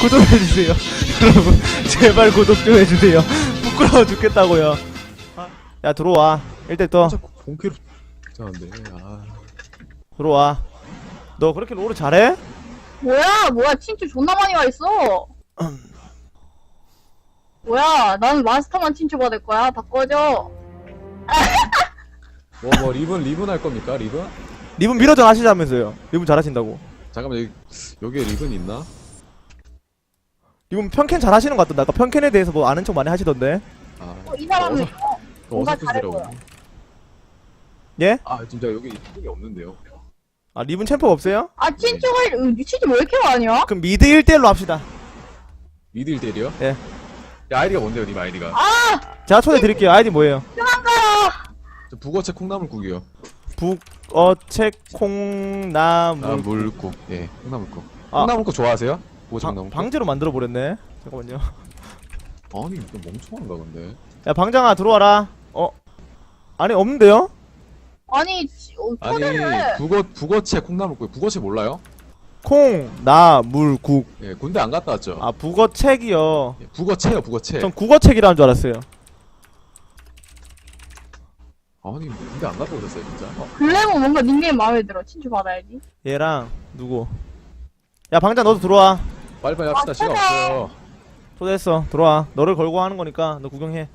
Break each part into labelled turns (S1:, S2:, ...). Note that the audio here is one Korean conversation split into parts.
S1: 구독해주세요. 여러분 제발 구독 좀 해주세요. 부끄러워 죽겠다고요. 야 들어와. 1대 떠.
S2: 자꾸 본캐로 괜찮은데.
S1: 들어와. 너 그렇게 롤을 잘해?
S3: 뭐야 친추 존나 많이 와있어. 뭐야 나는 마스터만 친추 받을 거야. 다 꺼져.
S2: 뭐 리븐 할 겁니까? 리븐?
S1: 리븐 미러전 하시자면서요. 리븐 잘하신다고.
S2: 잠깐만 여기에 리븐 있나?
S1: 리븐 편캔 잘하시는 것 같던데. 아까 편캔에 대해서 뭐 아는 척 많이 하시던데.
S3: 이 사람은 뭔가
S2: 어서
S3: 잘할
S2: 들어가고.
S3: 거야.
S1: 예?
S2: 진짜 여기 이쪽에 없는데요.
S1: 아 리븐 챔프가 없어요?
S3: 아 친추가 친추 왜 이렇게 많이야?
S1: 그럼 미드 1대1로 합시다.
S2: 미드 1대1이요?
S1: 예.
S2: 야, 아이디가 뭔데요, 님 아이디가?
S1: 제가 초대 드릴게요. 아이디 뭐예요?
S2: 저 북어채 콩나물국이요.
S1: 북어채 콩나물
S2: 물국. 예, 콩나물국.
S1: 아.
S2: 콩나물국 좋아하세요? 뭐지 콩나물국?
S1: 방제로 만들어 버렸네. 잠깐만요.
S2: 아니, 이거 멍청한가 근데.
S1: 야 방장아 들어와라. 아니 없는데요?
S3: 아니 초대를
S2: 북어채 콩나물국. 북어채 몰라요?
S1: 콩나물국.
S2: 예, 군대 안 갔다 왔죠?
S1: 아 북어책이요.
S2: 예, 북어채요, 북어채.
S1: 전 국어책이라는 줄 알았어요.
S2: 아니, 군대 안 갔다 오셨어요, 진짜?
S3: 글래머 뭔가 닉네임 마음에 들어. 친추 받아야지.
S1: 얘랑 누구? 야 방장 너도 들어와.
S2: 빨리빨리 합시다, 시간 없어요.
S1: 초대했어. 들어와. 너를 걸고 하는 거니까 너 구경해.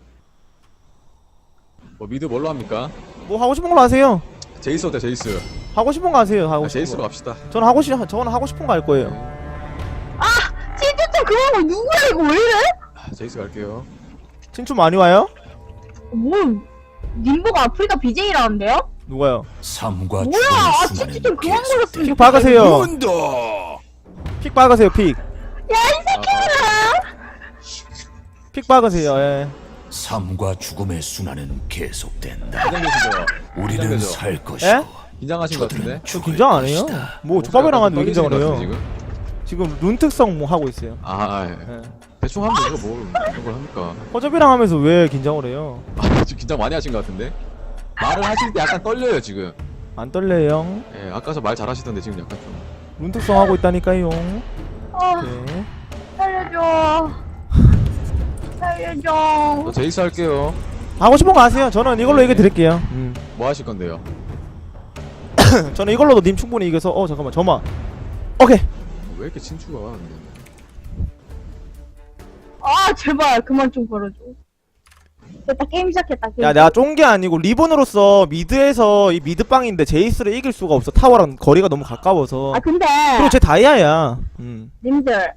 S2: 뭐 미드 뭘로 합니까?
S1: 뭐 하고 싶은 걸로 하세요.
S2: 제이스 어때, 제이스?
S1: 하고 싶은 거 하세요. 하고 싶은
S2: 제이스로
S1: 거.
S2: 갑시다.
S1: 저는 하고 싶은 거 할 거예요.
S3: 친추 좀 그만하고 누구야 이거 왜 이래?
S2: 제이스 갈게요.
S1: 친추 많이 와요?
S3: 뭐 님보가 아프리카 BJ라는데요?
S1: 누가요?
S4: 삶과
S3: 뭐야
S4: 죽음의
S3: 친추
S4: 순환은
S3: 좀 그만 걸렸으면
S1: 픽
S3: 좋겠어.
S1: 박으세요.
S4: 문도
S1: 픽 박으세요. 픽.
S2: 아,
S1: 픽 박으세요. 예.
S4: 삶과 죽음의 순환은 계속된다.
S2: 긴장되시죠?
S4: 우리는
S2: 긴장되죠?
S4: 살 것이고
S1: 에?
S2: 긴장하신 것 같은데?
S1: 저 긴장 안 해요? 뭐 조밥이랑 하는데 왜 긴장을 해요?
S2: 지금?
S1: 지금 룬 특성 뭐 하고 있어요.
S2: 예.
S1: 예.
S2: 대충 하면 되죠, 뭘 이런 걸 합니까?
S1: 허접이랑 하면서 왜 긴장을 해요?
S2: 지금 긴장 많이 하신 것 같은데? 말을 하실 때 약간 떨려요, 지금.
S1: 안 떨려요.
S2: 예, 아까 말 잘하시던데 지금 약간 좀.
S1: 룬 특성 하고 있다니까요.
S3: 아
S1: 네.
S3: 살려줘. 살려줘.
S2: 저 제이스 할게요.
S1: 하고 싶은 거 하세요. 저는 이걸로
S2: 네.
S1: 얘기 드릴게요.
S2: 뭐 하실 건데요?
S1: 저는 이걸로도 님 충분히 이겨서 잠깐만 저만. 오케이.
S2: 왜 이렇게 친추가 많은데?
S3: 아 제발 그만 좀 걸어줘. 됐다 게임 시작했다. 게임.
S1: 야 내가 쫀 게 아니고 리본으로서 미드에서 이 미드빵인데 제이스를 이길 수가 없어. 타워랑 거리가 너무 가까워서.
S3: 아 근데
S1: 그리고 제 다이아야.
S3: 님들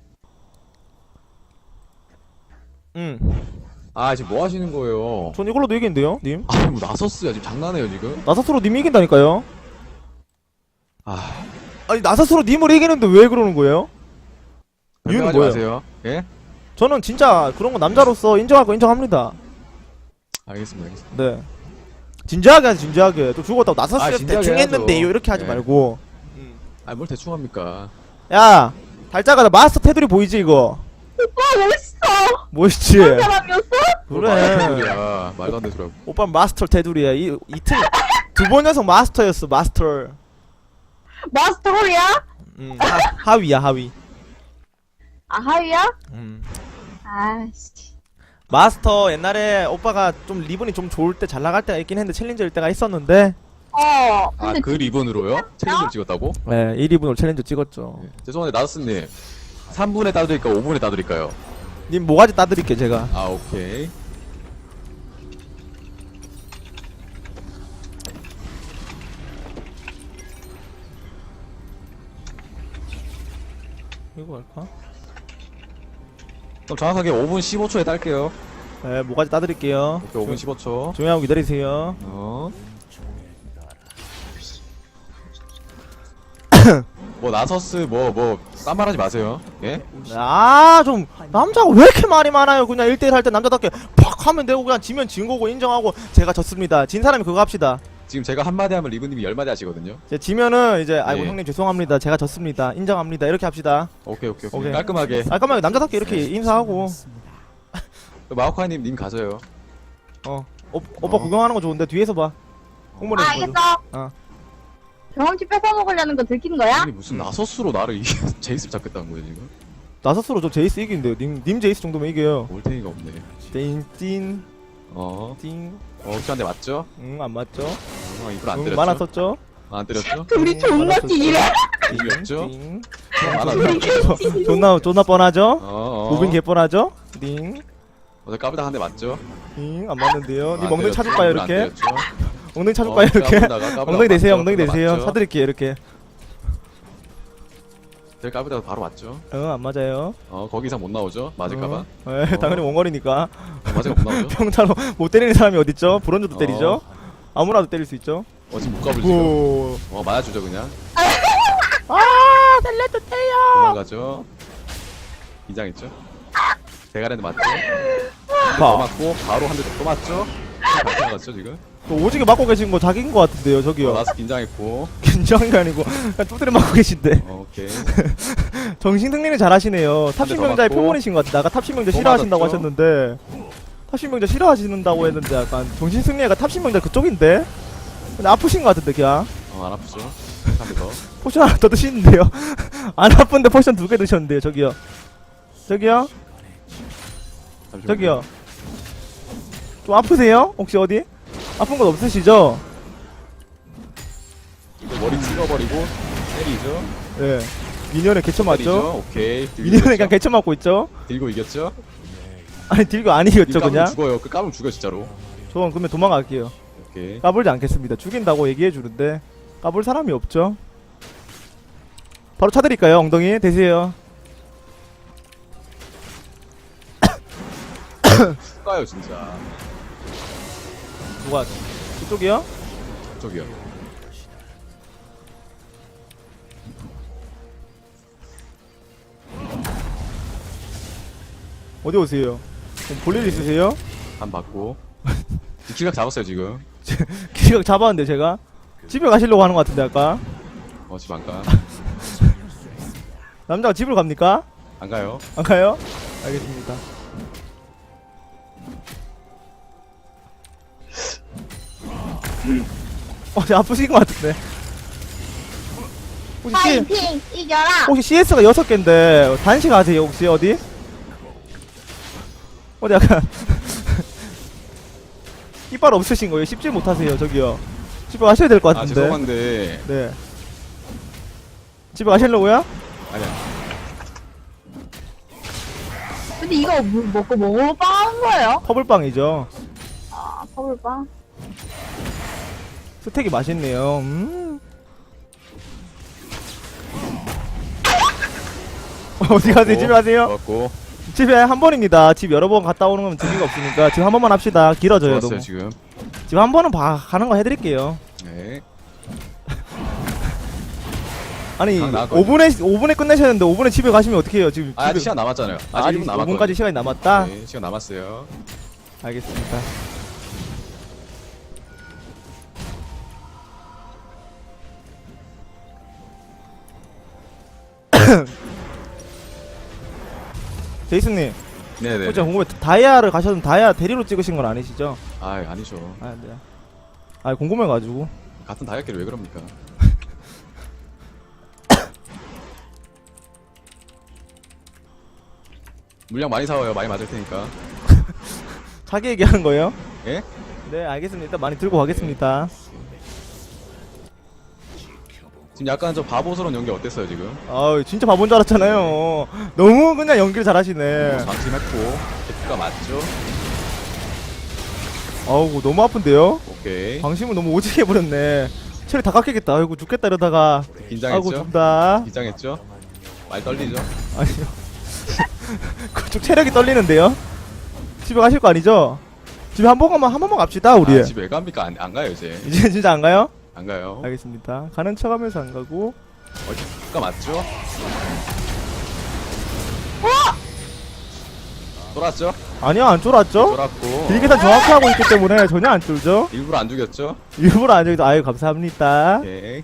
S2: 지금 뭐 하시는 거예요?
S1: 전 이걸로도 이긴대요, 님.
S2: 뭐 나섰어요. 지금 장난해요, 지금?
S1: 나사스로 님 이긴다니까요.
S2: 아,
S1: 아니 나사스로 님을 이기는데 왜 그러는 거예요? 이유는
S2: 변명하지
S1: 뭐예요?
S2: 마세요. 예?
S1: 저는 진짜 그런 거 남자로서 인정할 거 인정합니다.
S2: 알겠습니다.
S1: 네. 진지하게 하지 진지하게. 또 죽었다고 나사스를
S2: 진지하게
S1: 대충
S2: 해야죠.
S1: 했는데요 이렇게 하지
S2: 네.
S1: 말고.
S2: 뭘 대충 합니까?
S1: 야 달짜가 나 마스터 테두리 보이지 이거?
S3: 오빠 멋있어.
S1: 멋있지?
S3: 그런 사람이었어?
S1: 그래.
S2: 야, 말도 안 되는 소리 하고.
S1: 오빠 마스터 테두리야. 이틀 두 번 연속 마스터였어 마스터.
S3: 마스터홀이야?
S1: 하위야 하위.
S3: 아 하위야?
S1: 음.
S3: 아씨.
S1: 마스터 옛날에 오빠가 좀 리본이 좀 좋을 때 잘 나갈 때가 있긴 했는데 챌린저일 때가 있었는데.
S3: 근데
S2: 그 리본으로요? 챌린저를 찍었다고?
S1: 네 1위분으로 챌린저 찍었죠.
S2: 네. 죄송한데 나스님 3분에 따드릴까요? 5분에 따드릴까요?
S1: 님 모가지 따드릴게 제가.
S2: 오케이.
S1: 이거 할까?
S2: 그럼 정확하게 5분 15초에 딸게요.
S1: 네 모가지 따드릴게요.
S2: 오케이, 5분 15초.
S1: 조용히 하고 기다리세요.
S2: 뭐 나서스 딴 말하지 마세요. 예?
S1: 좀 남자가 왜 이렇게 말이 많아요. 그냥 1대1 할 때 남자답게 팍 하면 되고 그냥 지면 진 거고 인정하고 제가 졌습니다. 진 사람이 그거 합시다.
S2: 지금 제가 한마디 하면 리브님이 10마디 하시거든요.
S1: 이제 지면은 이제 아이고
S2: 예.
S1: 형님 죄송합니다. 제가 졌습니다. 인정합니다. 이렇게 합시다.
S2: 오케이.
S1: 오케이.
S2: 깔끔하게.
S1: 깔끔하게 남자답게 이렇게 인사하고.
S2: 마오카이님 님 가져요.
S1: 오빠 구경하는 거 좋은데 뒤에서 봐. 홍보를 해줘.
S3: 알겠어. 경험치 뺏어 먹으려는 거 들킨 거야?
S2: 아니 무슨 나서스로 나를 제이스를 잡겠다는 거예요 지금?
S1: 나서스로 저 제이스 이기는데요. 님 제이스 정도면 이겨요.
S2: 올탱이가 없네.
S1: 띵띵
S2: 어.
S1: 띵.
S2: 혹시 한대 맞죠?
S1: 안 맞죠?
S2: 이걸 안 때렸죠?
S1: 만화 썼죠?
S2: 안 때렸죠?
S3: 둘이 존나 찌기래.
S2: 이겼죠?
S1: 띵.
S2: 만화
S3: 둘이
S2: 때렸죠?
S3: 찌기.
S1: 존나 뻔하죠?
S2: 어.
S1: 무빙 개 뻔하죠? 띵.
S2: 어제 까불다 한 대 맞죠?
S1: 띵. 안 맞는데요. 님
S2: 안
S1: 엉덩이
S2: 때렸죠?
S1: 차줄까요
S2: 안
S1: 이렇게?
S2: 때렸죠?
S1: 엉덩이 차줄까요 이렇게?
S2: 까불다가
S1: 엉덩이 대세요. 엉덩이
S2: 맞죠?
S1: 대세요.
S2: 맞죠?
S1: 사드릴게요 이렇게.
S2: 제가 까불다가 바로 맞죠?
S1: 안 맞아요.
S2: 거기 이상 못 나오죠? 맞을까봐.
S1: 당연히 원거리니까.
S2: 맞을 못 나오죠?
S1: 평타로 못 때리는 사람이 어딨죠? 브론즈도 때리죠? 아무나도 때릴 수 있죠?
S2: 지금 못 까불 지금.
S1: 오.
S2: 맞아주죠 그냥.
S1: 살려주세요.
S2: 도망가죠. 긴장했죠? 대가리한테 맞죠? 또
S1: 봐.
S2: 맞고 바로 한 대 또 맞죠? 또 맞죠 지금?
S1: 또 오지게 맞고 계신 거 자기인 거 같은데요, 저기요.
S2: 나서 긴장했고.
S1: 긴장한 게 아니고 그냥 두드려 맞고 계신데.
S2: 오케이.
S1: 정신 승리는 잘하시네요. 탑신명자의
S2: 맞고.
S1: 표본이신 것 같아. 아까 탑신명자
S2: 또
S1: 싫어하신다고
S2: 맞았죠?
S1: 하셨는데 탑신명자 싫어하시는다고 했는데 약간 정신 승리가 탑신명자 그쪽인데. 근데 아프신 것 같은데 그냥.
S2: 안 아프죠? 하면서.
S1: 포션 하나 더 드시는데요. 안 아픈데 포션 2개 드셨는데요, 저기요. 저기요.
S2: 잠시만요.
S1: 저기요. 좀 아프세요? 혹시 어디? 아픈 건 없으시죠?
S2: 머리 찍어버리고 때리죠.
S1: 예. 미니언에 개쳐 맞죠?
S2: 때리죠. 오케이. 들고
S1: 미니언에 그냥
S2: 이겼죠?
S1: 개쳐 맞고 있죠?
S2: 들고 이겼죠?
S1: 아니 딜교 아니겠죠
S2: 까불면
S1: 그냥?
S2: 죽어요. 그 까불면 죽여 진짜로.
S1: 저는 그러면 도망갈게요.
S2: 오케이.
S1: 까불지 않겠습니다. 죽인다고 얘기해 주는데 까불 사람이 없죠. 바로 차드릴까요? 엉덩이 대세요.
S2: 가요 진짜.
S1: 누가 이쪽이요?
S2: 저기요.
S1: 어디 오세요? 볼일 있으세요?
S2: 안 받고. 기각 잡았어요 지금.
S1: 기각 잡았는데 제가 집에 가시려고 하는 것 같은데 아까
S2: 집 안 가.
S1: 남자가 집으로 갑니까?
S2: 안 가요.
S1: 안 가요? 알겠습니다. 아프신 것 같은데.
S3: 파이팅 이겨라.
S1: 혹시 CS가 6개인데 단식 아세요 혹시 어디? 어디 약간 이빨 없으신 거예요? 씹질 못하세요 저기요. 집에 가셔야 될 것 같은데.
S2: 죄송한데.
S1: 네. 집에 가시려고요?
S2: 아니야.
S3: 근데 이거 먹고 뭐로 빠는 거예요?
S1: 퍼블빵이죠.
S3: 아 퍼블빵.
S1: 스택이 맛있네요. 어디 가세요? 집에 가세요?
S2: 좋았고.
S1: 집에 한 번입니다. 집 여러 번 갔다 오는 건 재미가 없으니까 지금 한 번만 합시다. 길어져요
S2: 좋았어요
S1: 너무.
S2: 지금.
S1: 지금 한 번은 가는 거 해드릴게요.
S2: 네.
S1: 아니
S2: 나왔거든요.
S1: 5분에 끝내셨는데 5분에 집에 가시면 어떡해요 지금.
S2: 아직
S1: 집에-
S2: 시간 남았잖아요.
S1: 아직
S2: 아직 1분 남았거든요.
S1: 5분까지 시간이 남았다?
S2: 네, 시간 남았어요.
S1: 알겠습니다. 제이슨님,
S2: 네네.
S1: 혹시 궁금해 다이아를 가셨는 다이아 대리로 찍으신 건 아니시죠?
S2: 아니죠.
S1: 아, 네. 아, 궁금해가지고.
S2: 같은 다이어트를 왜 그럽니까? 물량 많이 사와요. 많이 맞을 테니까.
S1: 자기 얘기하는 거예요?
S2: 예?
S1: 네, 알겠습니다. 일단 많이 들고 가겠습니다.
S2: 지금 약간 좀 바보스러운 연기 어땠어요 지금?
S1: 아우, 진짜 바본 줄 알았잖아요. 너무 그냥 연기를 잘하시네.
S2: 방심했고 개프가 맞죠?
S1: 아우, 너무 아픈데요?
S2: 오케이.
S1: 방심을 너무 오지게 해버렸네. 체리 다 깎이겠다. 아이고, 죽겠다 이러다가. 아이고,
S2: 긴장했죠?
S1: 죽다.
S2: 긴장했죠? 많이 떨리죠?
S1: 아니요. 그쪽 체력이 떨리는데요? 집에 가실 거 아니죠? 집에 한 번만 갑시다, 우리.
S2: 집에 왜 갑니까? 안 가요 이제.
S1: 이제 진짜 안 가요?
S2: 안 가요.
S1: 알겠습니다. 가는 척 하면서 안 가고.
S2: 개프가 맞죠? 쫄았죠?
S1: 아니요, 안 쫄았죠?
S2: 쫄았고.
S1: 딜계산 정확히 하고 있기 때문에 전혀 안 쫄죠?
S2: 일부러 안 죽였죠?
S1: 일부러 안 쫄죠? 아유, 감사합니다.
S2: 오케이.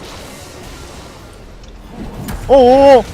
S1: 오오!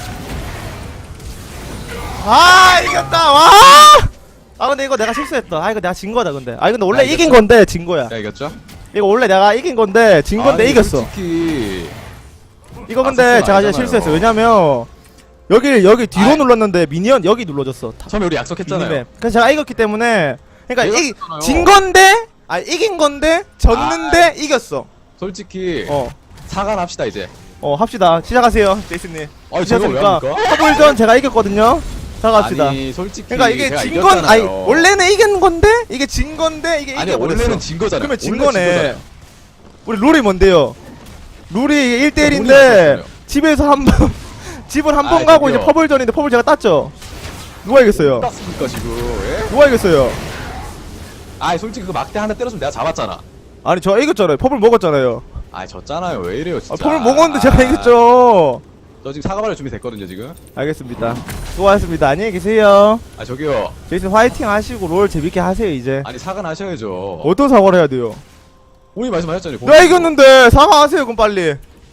S1: 아, 이겼다! 와! 아, 근데 이거 내가 실수했다. 아, 이거 내가 진 거다, 근데. 아, 근데 원래
S2: 이겼어?
S1: 이긴 건데, 진 거야.
S2: 야 이겼죠?
S1: 이거 원래 내가 이긴 건데, 진 건데
S2: 아니,
S1: 이겼어.
S2: 솔직히
S1: 이거 근데
S2: 아,
S1: 제가
S2: 아니잖아요.
S1: 실수했어요. 왜냐면 여기 뒤로 눌렀는데 미니언 여기 눌러졌어.
S2: 처음에 우리 약속했잖아요.
S1: 미니맵. 그래서 제가 이겼기 때문에 그러니까
S2: 내가
S1: 이
S2: 졌잖아요.
S1: 진 건데 이긴 건데 졌는데 이겼어.
S2: 솔직히
S1: 어.
S2: 사과합시다 이제.
S1: 합시다. 시작하세요, 제이슨님.
S2: 아니 제가 왜
S1: 시작하니까
S2: 합니까?
S1: 퍼블전 제가 이겼거든요. 시작합시다.
S2: 아니 솔직히
S1: 그러니까 이게
S2: 제가
S1: 진 건
S2: 이겼잖아요.
S1: 아니 원래는 이긴 건데 이게 진 건데 이게
S2: 아니
S1: 이겨버렸어.
S2: 원래는 진 거잖아요.
S1: 그러면 진
S2: 원래
S1: 거네.
S2: 거잖아요.
S1: 우리 룰이 뭔데요? 룰이 1대1인데
S2: 룰이
S1: 집에서 한 번 집을 한 번
S2: 아이,
S1: 가고
S2: 저기요.
S1: 이제 퍼블전인데 퍼블 제가 땄죠. 누가 이겼어요?
S2: 땄습니까 지금? 예?
S1: 누가 이겼어요?
S2: 아니 솔직히 그 막대 하나 때렸으면 내가 잡았잖아.
S1: 아니 저 이겼잖아요. 퍼블 먹었잖아요.
S2: 아니 졌잖아요. 왜 이래요 진짜.
S1: 퍼블 먹었는데 제가 이겼죠.
S2: 저 지금 사과받을 준비 됐거든요 지금.
S1: 알겠습니다. 수고하셨습니다. 안녕히 계세요.
S2: 아 저기요.
S1: 제이슨 화이팅 하시고 롤 재밌게 하세요 이제.
S2: 아니 사과는 하셔야죠.
S1: 어떤 사과를 해야 돼요?
S2: 본인 말씀하셨잖아요.
S1: 내가 이겼는데 사과하세요 그럼 빨리.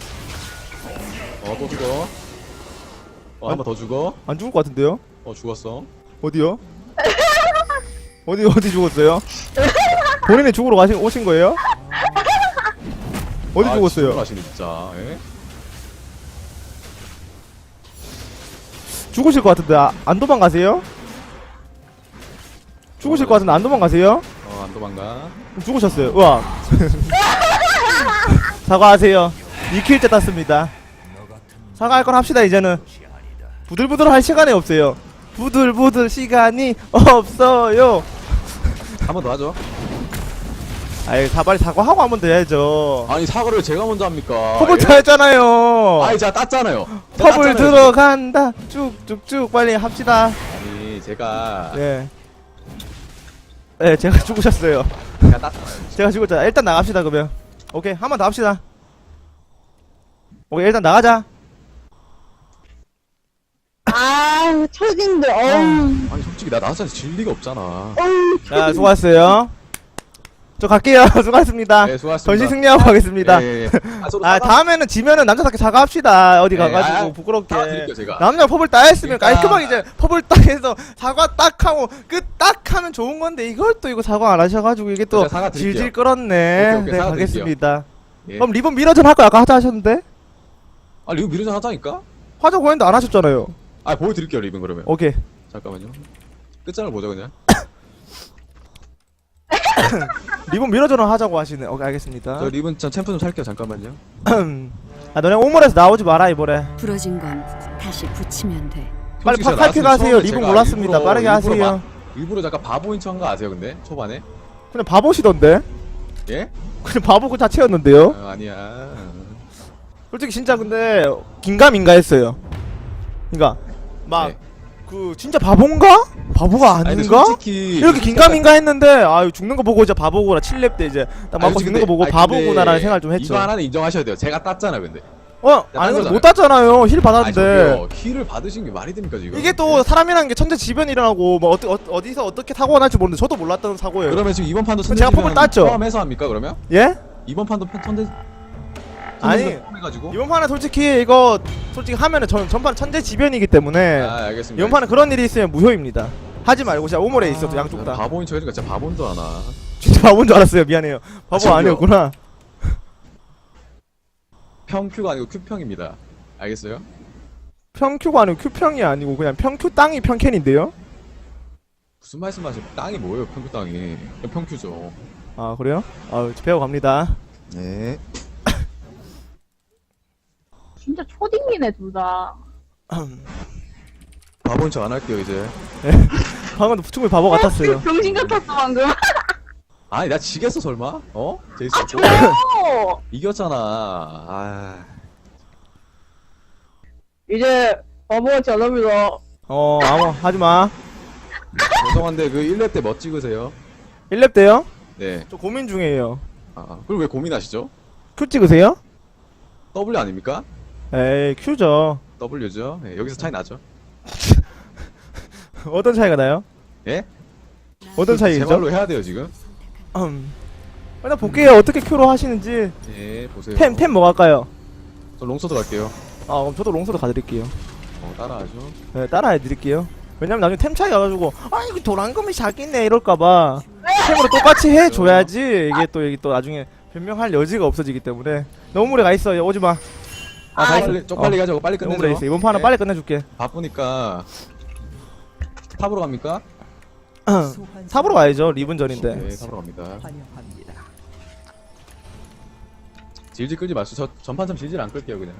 S2: 또 죽어. 한 번 더 죽어.
S1: 안 죽을 것 같은데요?
S2: 죽었어.
S1: 어디요? 어디 죽었어요? 본인이 죽으러 오신 거예요? 어디 죽었어요?
S2: 하시네 진짜. 예?
S1: 죽으실 것 같은데 안 도망가세요? 죽으실 것 같은데 안 도망가세요?
S2: 안 도망가.
S1: 죽으셨어요. 우와. 사과하세요. 2킬째 땄습니다. 사과할 건 합시다 이제는. 부들부들 할 시간이 없어요. 부들부들 시간이 없어요.
S2: 한 번 더 하죠.
S1: 아이 빨리 사과하고 한 번 더 해야죠.
S2: 아니 사과를 제가 먼저 합니까?
S1: 퍼블
S2: 예?
S1: 다 했잖아요.
S2: 아니 제가 땄잖아요.
S1: 퍼블 들어간다. 쭉쭉쭉 빨리 합시다.
S2: 아니 제가
S1: 네. 네, 제가 죽으셨어요.
S2: 제가 땄잖아요.
S1: 제가 죽었잖아. 일단 나갑시다 그러면. 오케이, 한 번 더 합시다. 오케이, 일단 나가자.
S3: 아, 초딩들,
S2: 아니 솔직히 나 나서서 질 리가 없잖아.
S1: 자, 수고하셨어요. 저 갈게요. 수고하셨습니다.
S2: 네, 수고하셨습니다.
S1: 전시 승리하고 가겠습니다.
S2: 예. 저도
S1: 아, 다음에는 지면은 남자답게 사과합시다. 어디
S2: 네,
S1: 가가지고 부끄럽게.
S2: 사과드릴게요, 제가.
S1: 남자 퍼블 따 했으면
S2: 그러니까-
S1: 깔끔하게 이제 퍼블 딱 해서 사과 딱 하고 끝 딱 하면 좋은 건데 이걸 또 이거 사과 안 하셔가지고 이게 또
S2: 제가 사과드릴게요.
S1: 질질 끌었네.
S2: 오케이, 오케이,
S1: 네,
S2: 사과드릴게요.
S1: 가겠습니다.
S2: 예.
S1: 그럼 리본 미러전 할 거 아까 하자 하셨는데?
S2: 아 리뷰 미루전 하자니까?
S1: 하자고 했는데 안 하셨잖아요.
S2: 아 보여드릴게요 리뷰 그러면.
S1: 오케이.
S2: 잠깐만요. 끝장을 보자 그냥.
S1: 리본 미러전을 하자고 하시네. 오케이, 알겠습니다.
S2: 저 리븐 전 챔프 좀 살게요 잠깐만요.
S1: 아, 너네 오물에서 나오지 마라 이번에.
S5: 부러진 건 다시 붙이면 돼.
S1: 빨리
S2: 솔직히 제가
S1: 팔피
S2: 나왔으면
S1: 가세요.
S2: 처음에
S1: 리본
S2: 제가
S1: 몰랐습니다.
S2: 일부러-
S1: 빠르게 하세요.
S2: 일부러 잠깐 바보인 척한 거 아세요 근데 초반에?
S1: 그냥 바보시던데?
S2: 예?
S1: 그냥 바보 그 자체였는데요?
S2: 아니야.
S1: 솔직히 진짜 근데 긴가민가 했어요. 그니까 막
S2: 네.
S1: 그 진짜 바본가? 바보가
S2: 아니, 근데
S1: 아닌가?
S2: 솔직히
S1: 이렇게 긴가민가 했는데 아유 죽는 거 보고 이제 바보구나 7렙 때 이제 딱 맞고 죽는 거 보고 바보구나라는 생각을 좀 했죠.
S2: 이거 하나는 인정하셔야 돼요. 제가 땄잖아 근데.
S1: 아니 근데
S2: 거잖아요.
S1: 못 땄잖아요. 힐
S2: 아니
S1: 받았는데
S2: 저기요 키를 받으신 게 말이 됩니까 지금?
S1: 이게 또 사람이라는 게 천재지변이라고 뭐 어디서 어떻게 사고가 날지 모르는데 저도 몰랐던 사고예요.
S2: 그러면 지금 이번 판도
S1: 제가 폼을 땄죠.
S2: 포함해서 합니까 그러면?
S1: 예?
S2: 이번 판도 천재
S1: 아니,
S2: 포함해가지고?
S1: 이번 판은 솔직히 이거 솔직히 하면은 전판 천재지변이기 때문에
S2: 아 알겠습니다.
S1: 이번 판은 그런 일이 있으면 무효입니다. 하지 말고 진짜 오물에 있어도 양쪽 다.
S2: 바보인 척 해주니까 진짜 바보인 줄 아나.
S1: 진짜 바보인 줄 알았어요. 미안해요. 바보
S2: 저기요.
S1: 아니었구나.
S2: 평큐가 아니고 큐평입니다. 알겠어요?
S1: 평큐가 아니고 큐평이 아니고 그냥 평큐 땅이 평캔인데요?
S2: 무슨 말씀하세요? 땅이 뭐예요 평큐 땅이? 그냥 평큐죠.
S1: 아 그래요? 아 배워갑니다.
S2: 네.
S3: 진짜 초딩이네, 둘 다.
S2: 바보인 척 안 할게요 이제.
S1: 방금도 충분히 바보 같았어요.
S3: 병신 같았어, 방금.
S2: 아니 나 지겠어 설마? 어? 제이슨 아,
S3: 저요!
S2: 이겼잖아. 아.
S3: 이제, 바보같이 안 합니다.
S1: 아무 하지마.
S2: 죄송한데 그 1렙 때 뭐 찍으세요?
S1: 1렙 때요?
S2: 네.
S1: 저 고민 중이에요.
S2: 그럼 왜 고민하시죠?
S1: 큐 찍으세요?
S2: W 아닙니까?
S1: 에이 큐죠.
S2: W죠. 네, 여기서 차이 나죠.
S1: 어떤 차이가 나요?
S2: 예?
S1: 어떤
S2: 제
S1: 차이죠?
S2: 말로 해야 돼요 지금.
S1: 일단 볼게요. 어떻게 큐로 하시는지.
S2: 예, 보세요.
S1: 템 뭐 갈까요?
S2: 저 롱서드 갈게요.
S1: 아 그럼 저도 롱소드 가드릴게요.
S2: 따라하죠.
S1: 네, 따라해드릴게요. 왜냐면 나중에 템 차이 가가지고 아 이거 도란금이 작겠네 이럴까봐 템으로 똑같이 해줘야지 이게 또 나중에 변명할 여지가 없어지기 때문에 너무 오래 가있어요. 오지마. 다 했어.
S2: 빨리 쪽빨리 가자고 빨리 끝내죠.
S1: 홈레이스 이번 판은
S2: 네.
S1: 빨리 끝내줄게.
S2: 바쁘니까 탑으로 갑니까?
S1: 탑으로 가야죠. 리븐전인데.
S2: 네, 탑으로 갑니다. 질질 끌지 마시고 저 전판처럼 질질 안 끌게요 그냥.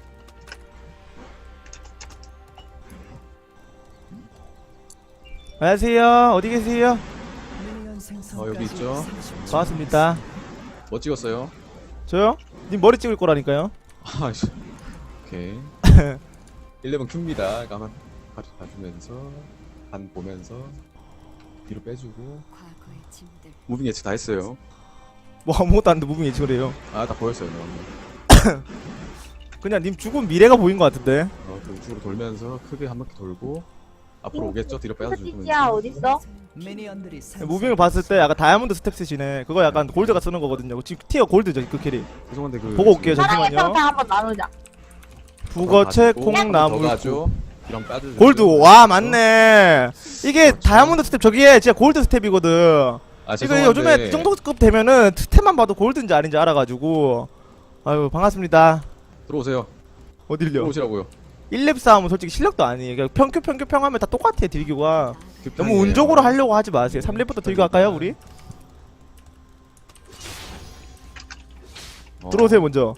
S1: 안녕하세요. 어디 계세요?
S2: 여기 있죠.
S1: 반갑습니다.
S2: 뭐 찍었어요?
S1: 저요? 님 머리 찍을 거라니까요.
S2: 아씨. 오케이. 11 큐입니다. 가만 봐주면서 반 보면서 뒤로 빼주고
S5: 과거의 짐들
S2: 무빙 예측 다 했어요.
S1: 뭐 아무것도 안 돼. 무빙 예측을 해요.
S2: 아 다 보였어요. 너.
S1: 그냥 님 죽은 미래가 보인 것 같은데.
S2: 그 우측으로 돌면서 크게 한 바퀴 돌고 앞으로 오겠죠? 뒤로 빼주고
S3: 스티치야 어딨어?
S1: 무빙을 봤을 때 약간 다이아몬드 스텝 쓰시네. 그거 약간 골드가 쓰는 거거든요. 지금 티어 골드죠 그 캐리.
S2: 죄송한데 그
S1: 보고 올게요.
S3: 사랑의
S1: 잠시만요.
S3: 평타 한번 나누자.
S1: 북어채
S2: 더
S1: 콩나물
S2: 가죠. 이런 빠져.
S1: 골드. 와 맞네. 이게 다이아몬드 스텝 저기에 진짜 골드 스텝이거든.
S2: 아,
S1: 이거
S2: 죄송한데
S1: 요즘에 이 정도급 되면은 스텝만 봐도 골드인지 아닌지 알아가지고. 아유 반갑습니다.
S2: 들어오세요.
S1: 어딜요?
S2: 들어오시라고요.
S1: 1렙 싸움은 솔직히 실력도 아니에요. 그냥 평큐평 하면 다 똑같아요 딜교가. 너무
S2: 급하네요.
S1: 운적으로 하려고 하지 마세요. 3렙부터 딜교 할까요 우리? 들어오세요 먼저.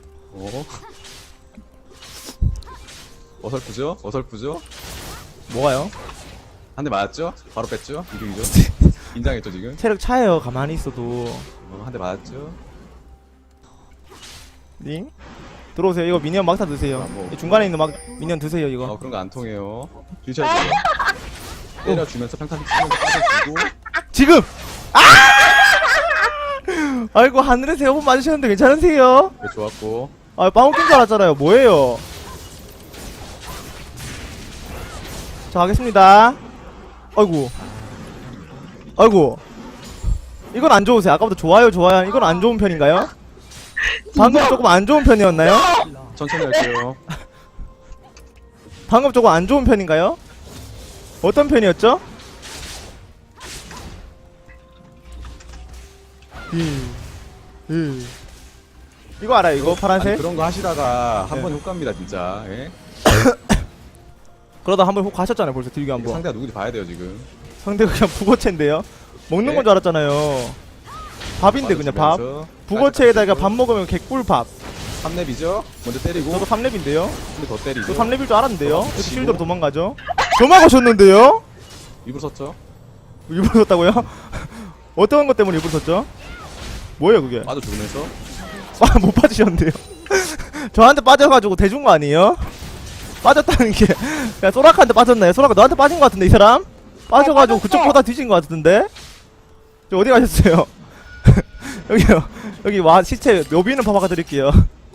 S2: 어설프죠? 어설프죠?
S1: 뭐가요?
S2: 한 대 맞았죠? 바로 뺐죠? 이득이죠? 인장했죠 지금?
S1: 체력 차요 가만히 있어도.
S2: 한 대 맞았죠?
S1: 링? 들어오세요. 이거 미니언 막타 드세요.
S2: 아, 뭐.
S1: 이 중간에 있는 막 미니언 드세요 이거.
S2: 그런 거 안 통해요. 뒤쳐야죠. 때려주면서 평타 치면서 빠져주고
S1: 지금! 아! 아이고 하늘에서 여번 맞으셨는데 괜찮으세요?
S2: 네, 좋았고
S1: 아 빵 낀 줄 알았잖아요. 뭐예요? 자 가겠습니다. 아이고 아이고 이건 안 좋으세요. 아까부터 좋아요 좋아요 이건 안 좋은 편인가요? 방금 조금 안 좋은 편이었나요?
S2: 천천히 할게요.
S1: 방금 조금 안 좋은 편인가요? 어떤 편이었죠? 이거 알아요 이거
S2: 아니,
S1: 파란색?
S2: 그런 거 하시다가 한
S1: 네.
S2: 번 훅 갑니다 진짜. 예?
S1: 그러다 한 번 훅 가셨잖아요 벌써 딜교 한번.
S2: 상대가 누군지 봐야 돼요 지금.
S1: 상대가 그냥 북어채인데요? 먹는
S2: 네.
S1: 건 줄 알았잖아요. 밥인데 그냥 밥. 북어채에다가 밥 먹으면 개꿀밥.
S2: 3렙이죠? 먼저 때리고
S1: 저도 3렙인데요?
S2: 한대 더 때리고
S1: 저 3렙일 줄 알았는데요?
S2: 어,
S1: 이렇게
S2: 치고.
S1: 실드로 도망가죠? 저 막으셨는데요?
S2: 입으로 섰죠?
S1: 일부러 썼다고요? 어떤 것 때문에 일부러 썼죠? 뭐예요 그게?
S2: 빠져 죽으면서
S1: 아, 못 빠지셨는데요? 저한테 빠져가지고 대준 거 아니에요? 빠졌다는 게 그냥 소라카한테 빠졌나요? 소라카 너한테 빠진 거 같은데 이 사람? 빠져가지고 그쪽보다 뒤진 거 같은데? 저 어디 가셨어요? 여기요 여기 와 시체 묘비는 파박아 드릴게요.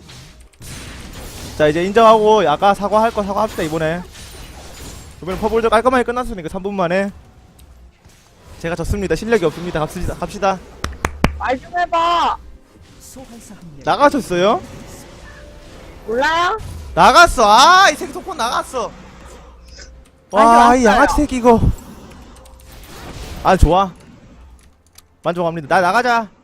S1: 자 이제 인정하고 아까 사과할 거 사과합시다 이번에. 이번에 퍼블도 깔끔하게 끝났으니까 3분 만에 제가 졌습니다. 실력이 없습니다. 갑시다.
S3: 말 좀 해봐.
S1: 나가셨어요?
S3: 몰라요?
S1: 나갔어. 아, 이 새끼 속폰 나갔어. 와, 이 양아치 새끼 이거. 아, 좋아. 만족합니다. 나가자.